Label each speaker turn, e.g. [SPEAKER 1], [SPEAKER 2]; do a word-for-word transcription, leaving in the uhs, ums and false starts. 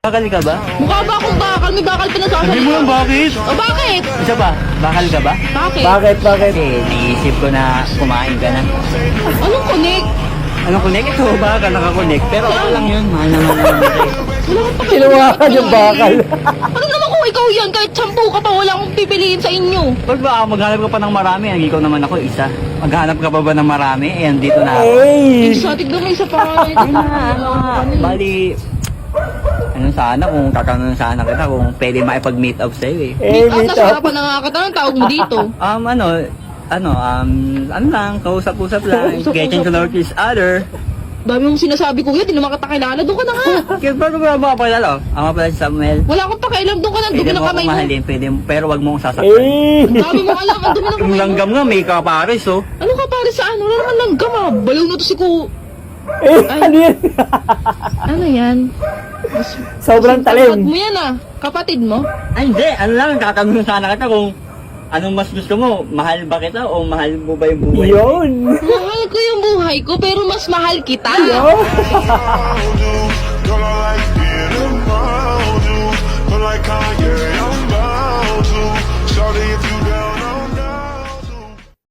[SPEAKER 1] Bakal ka ba?
[SPEAKER 2] Mukha ba akong bakal? May bakal pa nasasalita.
[SPEAKER 1] Sabi mo lang bakit?
[SPEAKER 2] O bakit?
[SPEAKER 1] Isa pa, bakal ka ba?
[SPEAKER 2] Bakit?
[SPEAKER 3] Bakit, bakit?
[SPEAKER 1] Kasi naisip ko na kumain ka na.
[SPEAKER 2] Anong connect?
[SPEAKER 1] Anong connect? Ito ba ka nakakonect? Pero okay lang yun. Mahal naman naman ito.
[SPEAKER 2] Wala kang pakialam.
[SPEAKER 3] Kinuha ka yung bakal.
[SPEAKER 2] Ano naman kung ikaw yan? Kahit sampu ka pa, wala akong pipiliin sa inyo.
[SPEAKER 1] Pag ba maghanap ka pa ng marami, ang ikaw naman ako isa. Maghanap ka pa ba ng marami? Eh, andito na ako.
[SPEAKER 3] Hey!
[SPEAKER 2] Isa, tignan mo isa pa.
[SPEAKER 1] Ayun na, ano nga. Bali, ano sana kung tatanong sana kita kung pwede makipag-meet up sa'yo eh.
[SPEAKER 3] Hey,
[SPEAKER 2] Meet up,
[SPEAKER 3] meet
[SPEAKER 2] nasa
[SPEAKER 3] up.
[SPEAKER 2] harapan na nga kita. Anong tawag mo dito?
[SPEAKER 1] Um, ano, ano, um, ano lang, kausap-usap lang,
[SPEAKER 2] Kausap-usap
[SPEAKER 1] getting to know each other.
[SPEAKER 2] Dami mong sinasabi ko yan, di naman kita kilala. Doon ka na nga.
[SPEAKER 1] Kaya bago ba mga pakilala? Ako nga pala si Samuel.
[SPEAKER 2] Wala akong pakialam. Doon ka na. Dumi
[SPEAKER 1] Pwede
[SPEAKER 2] ng
[SPEAKER 1] mo
[SPEAKER 2] kamay
[SPEAKER 1] akong
[SPEAKER 2] mo.
[SPEAKER 1] mahalin, pwede, pero wag mo akong sasaktan.
[SPEAKER 3] Hey!
[SPEAKER 2] Ang dami mong alam. Ang dumi ng
[SPEAKER 1] Yung
[SPEAKER 2] kamay mo.
[SPEAKER 1] langgam nga, may kapares oh.
[SPEAKER 2] Ano ka pare saan? Wala naman langgam ah. Balaw na to si Ku...
[SPEAKER 3] Eh, ano yan?
[SPEAKER 2] Ano yan? Mas,
[SPEAKER 3] Sobrang
[SPEAKER 2] kapatid
[SPEAKER 3] talim.
[SPEAKER 2] mo yan ah. Kapatid mo?
[SPEAKER 1] Ay hindi, ano lang, tatanong sana kita kung anong mas gusto mo, mahal ba kita o mahal mo ba yung buhay?
[SPEAKER 3] Yun!
[SPEAKER 2] Mahal ko yung buhay ko, pero mas mahal kita.
[SPEAKER 3] Yun!
[SPEAKER 4] Girl, I like being around you. Feel like Kanye